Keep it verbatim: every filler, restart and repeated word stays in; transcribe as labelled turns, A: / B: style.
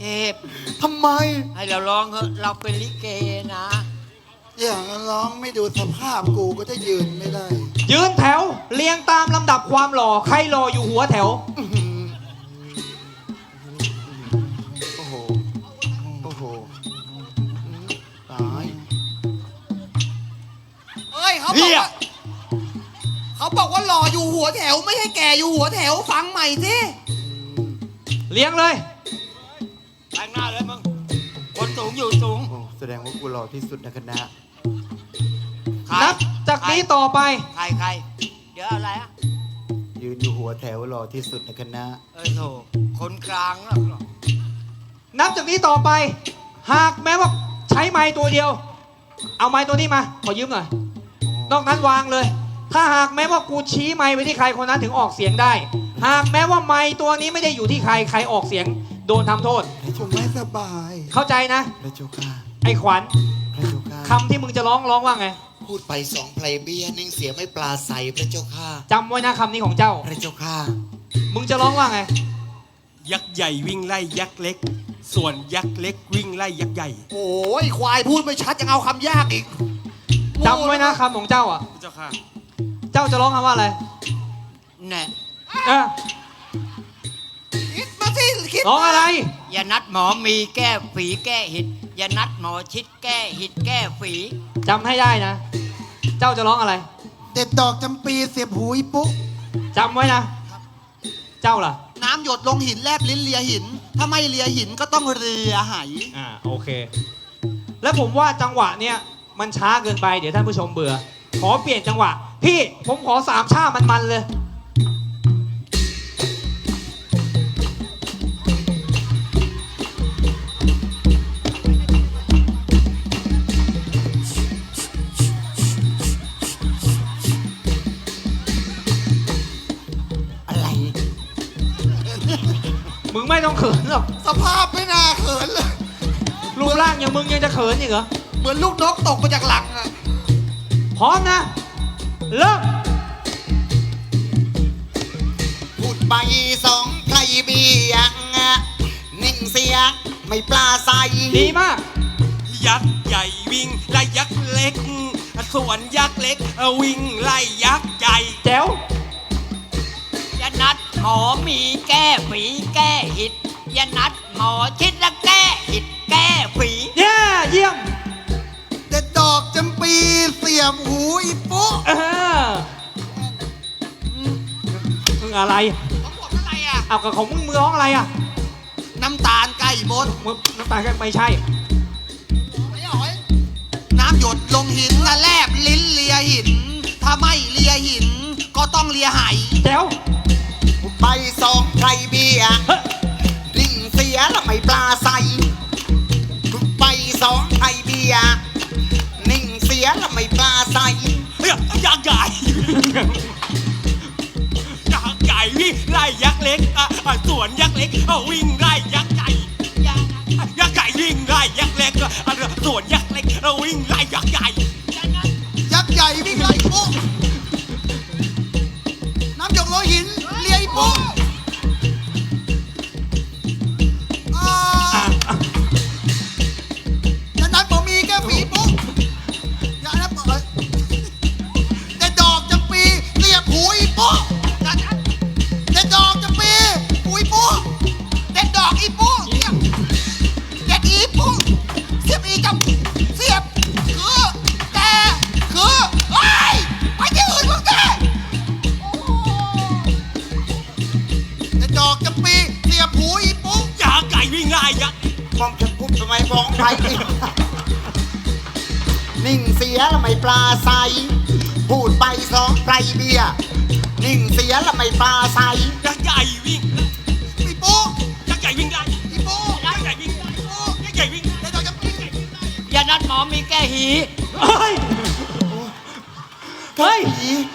A: พ
B: ทำไม
A: ให้เราร้องเถอะเราเป็นลิเกนะ
B: อย่างนั้นร้องไม่ดูสภาพกูก็จะยืนไม่ได้
C: ยืนแถวเรียงตามลำดับความหล่อใครหล่ออยู่หัวแถว
B: อื้อหือโอ้โห โอ้โห ตาย
D: เอ้ยเขาบอกว่าเขาบอกว่าหล่ออยู่หัวแถว ไม่ใช่แก่อยู่หัวแถวฟังใหม่สิ
C: เลี้ยงเลย
A: ข้างหน้าเลยมึง คนสูงอยู่สูง
B: โอ้แสดงว่ากูหล่อที่สุดในคณะ
A: ใคร
C: นับจากนี้ต่อไป
A: ใครใครเดี๋ยวอะไรอ่ะ
B: ยืนอยู่หัวแถวหล่อที่สุดในคณะ
A: เออโถคนกลางนะ
C: นับจากนี้ต่อไป หากแม้ว่าใช้ไม้ตัวเดียว เอาไม้ตัวนี้มาขอยืมหน่อยนอกนั้นวางเลย ถ้าหากแม้ว่ากูชี้ไม้ไปที่ใครคนนั้นถึงออกเสียงได้ หากแม้ว่าไม้ตัวนี้ไม่ได้อยู่ที่ใครใครออกเสียงโดนทำโทษ
B: ผมไม่สบาย
C: เข้าใจนะ
B: พระเจ้าค่ะ
C: ไอ้ขวัญ
B: พระเจ้าค่ะ
C: คำที่มึงจะร้องร้องว่าไง
E: พูดไปสองเพลงเบี้ยนิ่งเสียไม่ปลาใสพระเจ้าค่ะ
C: จำไว้นะคำนี้ของเจ้า
E: พระเจ้าค่ะ
C: มึงจะร้องว่าไง
F: ยักษ์ใหญ่วิ่งไล่ยักษ์เล็ก ส่วนยักษ์เล็กวิ่งไล่ยักษ์ใหญ่
D: โอ้ยควายพูดไม่ชัดยังเอาคำยากอีก
C: จำไว้นะคำของเจ้าอ่ะ
F: พระเจ้าค่ะ
C: เจ้าจะร้องคำว่าอะไร
A: แน่
C: เออ
D: คิดมาสิคิด
C: ร้องอะไร
A: อย่านัดหมอมีแก้ฝีแก้หิดอย่านัดหมอชิดแก้หิดแก้ฝี
C: จำให้ได้นะ เจ้าจะร้องอะไร
B: เด็ดดอกจำปีเสียบหูอีปุ๊
C: จำไว้นะ เจ้าล่ะ
D: น้ำหยดลงหินแลบลิ้นเลียหิน ถ้าไม่เลียหินก็ต้องเลียไห
C: อ่าโอเค แล้วผมว่าจังหวะเนี้ยมันช้าเกินไปเดี๋ยวท่านผู้ชมเบื่อ ขอเปลี่ยนจังหวะ พี่ผมขอสามชามันๆเลย
E: อะไร
C: มึงไม่ต้องเขินหรอก
D: สภาพไม่น่าเขินเลย
C: รูปร่างอย่างมึงยังจะเขินอีกเหรอ
D: เหมือนลูกนกตกมาจากหลังอะ
C: พร้อมนะ เริ่ม
E: พูดไปสองไพรเบี้ยนิ่งเสียไม่ปลาใส
C: ดีมาก
F: ยักษ์ใหญ่วิ่งไล่ยักษ์เล็ก ส่วนยักษ์เล็กวิ่งไล่ยักษ์ใหญ่
C: แจ๋ว
A: อย่านัดหมอมีแก้ฝีแก้หิดอย่านัดหมอชิดและแก้หิดแก้ฝี
C: เย้เยี่ยม
B: เด็ดดอกจำปีเสียบหูอีปุ๊
C: เออมึงอะไร
D: เขาบอกอะไรอะ
C: เอากับของมึงมึงร้องอะไรอ่ะ
D: น้ำตาลไก่มด
C: มึงน้ำตาลก็ไม่ใช่
D: ไม่หอยน้ำหยดลงหินและแลบลิ้นเลียหิน ถ้าไม่เลียหิน ก็ต้องเลียไห
C: แจ๋ว
E: พูดไปสองไพรเบี้ย
C: เฮ้ย
E: นิ่งเสียแล้วไม่ปลาใสพูดไปสองไพรเบี้ยนิ่งเสียแล้วไม่ปลาใส
F: เฮ้ยยักษ์ใหญ่ ยักษ์ใหญ่วิ่งไล่ยักษ์เล็กอ่ะอ่ะส่วนยักษ์เล็กอ่ะวิ่งไล่ยักษ์ใหญ่ยักษ์ใหญ่วิ่งไล่ยักษ์เล็กอ่ะอ่ะส่วนยักษ์เล็กอ่ะวิ่งไล่ยักษ์ใหญ่
D: ยักษ์ใหญ่วิ่งไล่ปุ๊น้ำหยดลงหินเลียอีปุ๊อ่าอย่านัดผมมีแก้ฝีปุ๊อย่านัดผมเด็ดดอกจำปีเสียบหูอีปุ๊อย่านัดเด็ดดอกจำปีหูอีปุ๊เด็ดดอกอีปุ๊เสียบเด็ดอีปุ๊เสียบอีจำเสียบคือแต่คือเฮ้ยไปที่อื่นมึงเด้เด็ดดอกจำปีเสียบหูอีปุ๊
F: ยักษ์ใหญ่วิ่งไล่ยักษ์
E: มองจะพูดทำไมมองไพรเบี้ยนิ่งเสียแล้วไม่ปลาใสพูดไปสองไพรเบี้ยนิ่งเสียแล้วไม่ปลาใส
F: ยักษ์ใหญ่วิ่ง
D: อีปุ๊
F: ยักษ์ใหญ่วิ่งไล่
D: อีปุ๊
F: ยักษ์ใหญ่วิ่งไล่ยักษ์ใหญ่วิ่ง
D: เด็ดดอกจำปี
A: อย่านัดหมอมีแก้หี
C: เฮ้ย เฮ้ย